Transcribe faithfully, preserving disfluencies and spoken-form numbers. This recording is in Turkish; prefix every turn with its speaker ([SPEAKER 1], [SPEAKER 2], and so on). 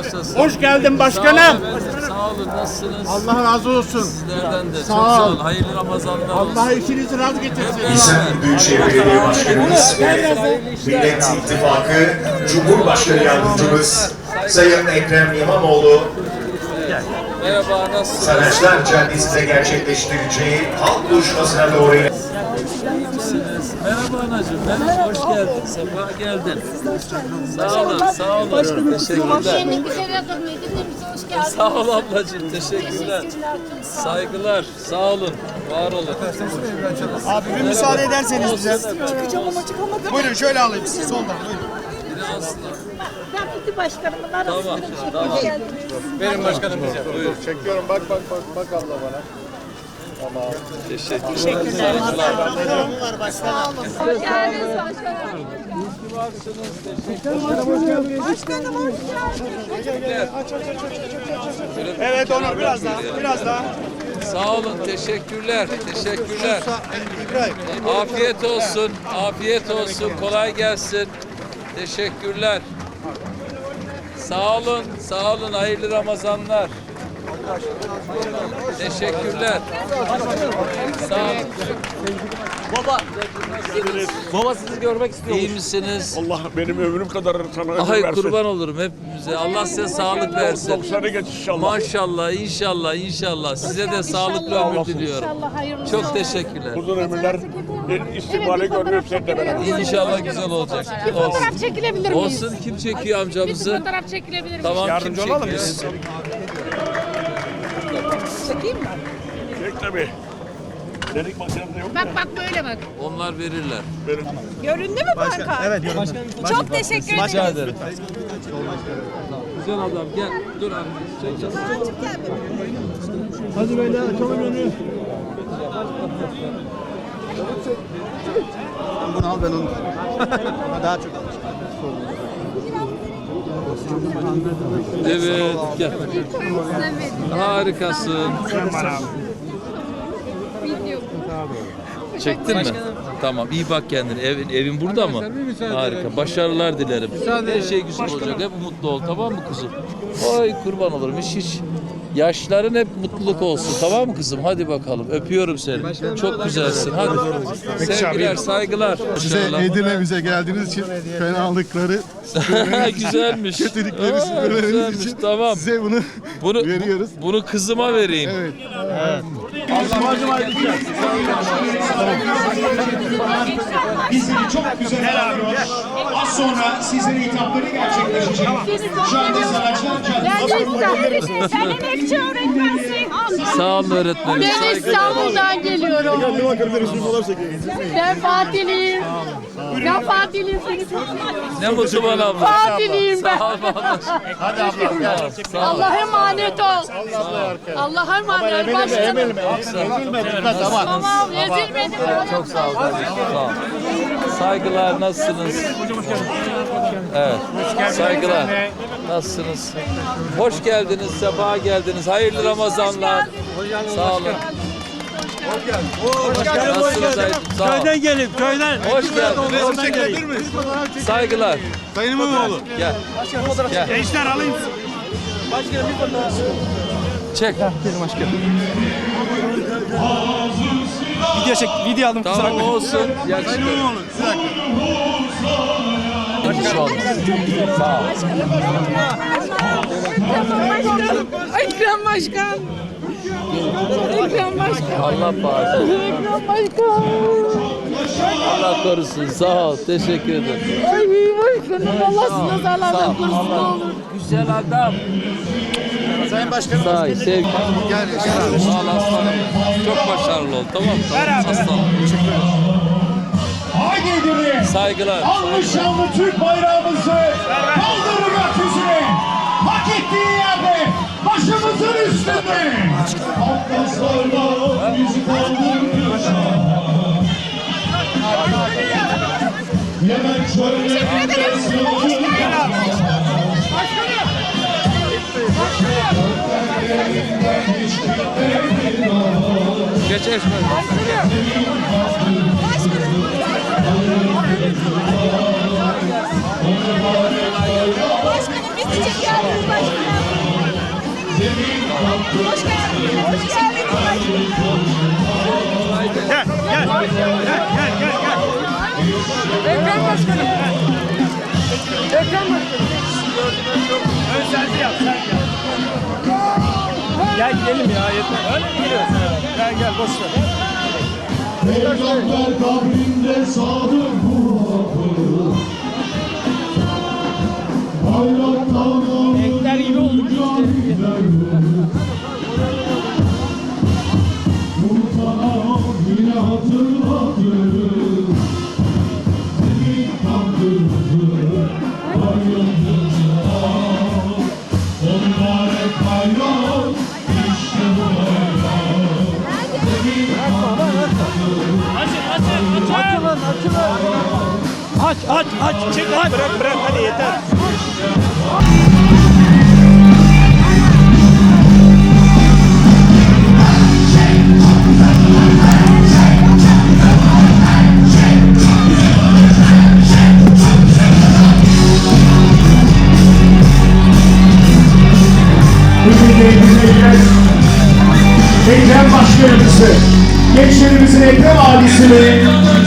[SPEAKER 1] bağışlasın.
[SPEAKER 2] Hoş geldin başkanım.
[SPEAKER 1] Sağ olun, efendim, sağ olun. Nasılsınız?
[SPEAKER 2] Allah razı olsun.
[SPEAKER 1] Sizlerden de çok
[SPEAKER 2] Sağ
[SPEAKER 1] sağ
[SPEAKER 2] ol.
[SPEAKER 1] olun. Hayırlı Ramazanlar olsun.
[SPEAKER 2] Allah işinizi razı getirsin.
[SPEAKER 3] İnsan Büyükşehir Belediye Başkanımız ve Millet İttifakı Cumhurbaşkanı Yardımcımız Sayın Ekrem İmamoğlu,
[SPEAKER 1] Merhaba, nasılsınız?
[SPEAKER 3] Saraçlar Caddesi'nde gerçekleştireceği halk buluşmasına doğru
[SPEAKER 1] İyisiniz. Merhaba anacığım. Merhaba, hoş geldin. Sefa geldin. Sağ olun, sağ olun. Teşekkürler.
[SPEAKER 4] Şenlik güzel yapılmayı dinlemize hoş geldiniz.
[SPEAKER 1] Sağ ol ablacığım, teşekkürler. Saygılar, sağ olun, var olun.
[SPEAKER 2] Abi bir müsaade ederseniz bize.
[SPEAKER 4] Çıkacağım ama çıkamadım.
[SPEAKER 2] Buyurun şöyle alayım sizi soldan. Buyurun.
[SPEAKER 1] Biri aslında.
[SPEAKER 4] Ben Kuti Başkanımın arasında bir şey
[SPEAKER 1] tamam.
[SPEAKER 4] hoş geldiniz.
[SPEAKER 2] Benim başkanım bize. Buyur. Çekiyorum bak bak bak bak abla bana.
[SPEAKER 1] Teşekkür Teşekkürler.
[SPEAKER 4] Hoş geldiniz başkanım. Başkanım hoş geldiniz.
[SPEAKER 2] Evet Onur biraz daha. Biraz daha.
[SPEAKER 1] Sağ olun, teşekkürler, teşekkürler. Afiyet olsun, afiyet olsun, kolay gelsin. Teşekkürler. Sağ olun, sağ olun, hayırlı Ramazanlar. Teşekkürler. Sağ olun.
[SPEAKER 5] Baba. Baba sizi görmek istiyor.
[SPEAKER 1] İyi misiniz?
[SPEAKER 6] Allah benim ömrüm kadar sana ömür
[SPEAKER 1] Ay
[SPEAKER 6] versin.
[SPEAKER 1] kurban olurum hepimize. Allah size sağlık versin.
[SPEAKER 6] doksanı geç inşallah.
[SPEAKER 1] Maşallah, inşallah, inşallah. Size de sağlıklı ömür diliyorum.
[SPEAKER 4] İnşallah hayırlısı
[SPEAKER 1] Çok
[SPEAKER 4] olsun.
[SPEAKER 1] teşekkürler.
[SPEAKER 6] Uzun ömürler, istikbali görmüyorum sen de beraber.
[SPEAKER 1] İnşallah güzel olacak. Olsun.
[SPEAKER 4] Fotoğraf çekilebilir miyiz?
[SPEAKER 1] Olsun, kim çekiyor
[SPEAKER 4] Bir
[SPEAKER 1] amcamızı?
[SPEAKER 4] fotoğraf çekilebilir miyiz?
[SPEAKER 1] Tamam, kim
[SPEAKER 2] Yardımcı olalım
[SPEAKER 1] çekiyor?
[SPEAKER 2] biz.
[SPEAKER 4] Çekeyim mi?
[SPEAKER 6] Çek tabii. Delik makinamda yok.
[SPEAKER 4] Bak bak böyle bak.
[SPEAKER 1] Onlar verirler.
[SPEAKER 4] Göründü mü banka? Evet göründü. Çok teşekkür ederim.
[SPEAKER 1] Rica ederim. Güzel adam gel. Dur abi. Çekeceğiz.
[SPEAKER 2] Hadi böyle açalım önü. Bunu al ben onu. Daha çok al.
[SPEAKER 1] Evet gel. Harikasın. Çektin mi? Tamam, iyi bak kendine. Evin, evin burada mı? Harika. Başarılar dilerim. Her şey güzel olacak. Hep mutlu ol. Tamam mı kızım? Ay kurban olurum. Hiç hiç. Yaşların hep mutluluk olsun. Tamam mı kızım? Hadi bakalım. Öpüyorum seni. Çok güzelsin. Hadi. Sevgiler, saygılar.
[SPEAKER 7] Size
[SPEAKER 1] Başarılar.
[SPEAKER 7] Edirne'mize geldiğiniz için fenalıkları,
[SPEAKER 1] Güzelmiş.
[SPEAKER 7] kötülükleri
[SPEAKER 1] Aa,
[SPEAKER 7] söylemeniz
[SPEAKER 1] güzelmiş.
[SPEAKER 7] için
[SPEAKER 1] Tamam.
[SPEAKER 7] size bunu,
[SPEAKER 1] Bunu
[SPEAKER 7] veriyoruz.
[SPEAKER 1] Bunu kızıma vereyim.
[SPEAKER 7] Evet.
[SPEAKER 3] bizleri çok güzel ağırlıyor. Az sonra sizlere hitapları gerçekleşecek. Şu anda Saraçlar Caddesi'nde
[SPEAKER 4] Sen emekçi öğretmensin.
[SPEAKER 1] Sağ olun öğretmenim.
[SPEAKER 4] Ben
[SPEAKER 1] Saygılar.
[SPEAKER 4] İstanbul'dan geliyorum. Ben Fatih'liyim. Ben Fatih'liyim. Seni çok
[SPEAKER 1] Ne mutlu bana abla.
[SPEAKER 4] Fatih'liyim ben.
[SPEAKER 1] Sağ ol abla.
[SPEAKER 2] Hadi abla gel.
[SPEAKER 1] Sağ ol.
[SPEAKER 4] Allah'a emanet ol. Allah'a emanet ol. Başkanım.
[SPEAKER 2] Ezilme bitmez ama.
[SPEAKER 4] Tamam ezilmedim.
[SPEAKER 1] Çok sağ ol. Sağ ol. Saygılar, nasılsınız? Evet. Saygılar. Nasılsınız? Hoş geldiniz, sefa geldiniz. Hayırlı Ramazanlar. Sağ olun. Nasılsınız Aydın? Sağ ol.
[SPEAKER 2] Köyden gelip köyden.
[SPEAKER 1] Hoş geldiniz. Saygılar.
[SPEAKER 2] Sayın İmamoğlu.
[SPEAKER 1] Gel. Gel.
[SPEAKER 2] Gençler alayım.
[SPEAKER 1] Çek.
[SPEAKER 2] Video çek. Video aldım.
[SPEAKER 1] Tamam olsun. Yakışıklı. Sağ ol. Sağ ol.
[SPEAKER 4] Ekrem Başkan. Ekrem Başkan.
[SPEAKER 1] Allah bağışlasın.
[SPEAKER 4] Ekrem Başkan.
[SPEAKER 1] Allah korusun. Sağ ol. Teşekkür ederim.
[SPEAKER 4] Ay başkanım Allah sizi
[SPEAKER 1] Sağ
[SPEAKER 4] nazarlardan
[SPEAKER 1] ol.
[SPEAKER 4] korusun ne
[SPEAKER 1] Allah.
[SPEAKER 4] olur.
[SPEAKER 1] Güzel adam.
[SPEAKER 2] Sayın Başkanım.
[SPEAKER 1] Sağ ol. Sevgi.
[SPEAKER 2] Gel.
[SPEAKER 1] Sağ ol aslanım. Çok başarılı ol. Tamam mı? Tamam. Aslanım.
[SPEAKER 3] Haydi Edirne!
[SPEAKER 1] Saygılar.
[SPEAKER 3] Almış şanlı Türk bayrağımızı kaldırın gökyüzüne! Hak ettiği yerde başımızın üstünde! Atlaslarla bizi kaldırmış. Yemen çöllerinde sığınır.
[SPEAKER 1] Geç Esmer.
[SPEAKER 4] Başkanım biz de çekiyoruz başkanım. Hoş geldiniz. Hoş geldiniz.
[SPEAKER 6] Gel, gel, gel, gel, gel, gel.
[SPEAKER 5] Ekrem Başkanım. Ekrem Başkanım.
[SPEAKER 6] Ön selfie yap, sen gel.
[SPEAKER 5] Gel gidelim ya yeter.
[SPEAKER 6] Öyle mi gidiyorsun? Gel, gel, boş ver.
[SPEAKER 8] Peygamber kabrinde sadık Muhammed. Bayraktan
[SPEAKER 5] Ekler gibi olduk işte.
[SPEAKER 8] Sultana yine hatırlatır. Senin kandırdı, bayramını al. O mübarek bayram, işte bu bayram. Senin
[SPEAKER 6] Açın, açın, açın.
[SPEAKER 5] Açılın açılın.
[SPEAKER 6] Aç, aç, aç. Çık, aç. Bırak, bırak, hadi yeter.
[SPEAKER 8] Ekrem Başkanımızı, gençlerimizin Ekrem ailesini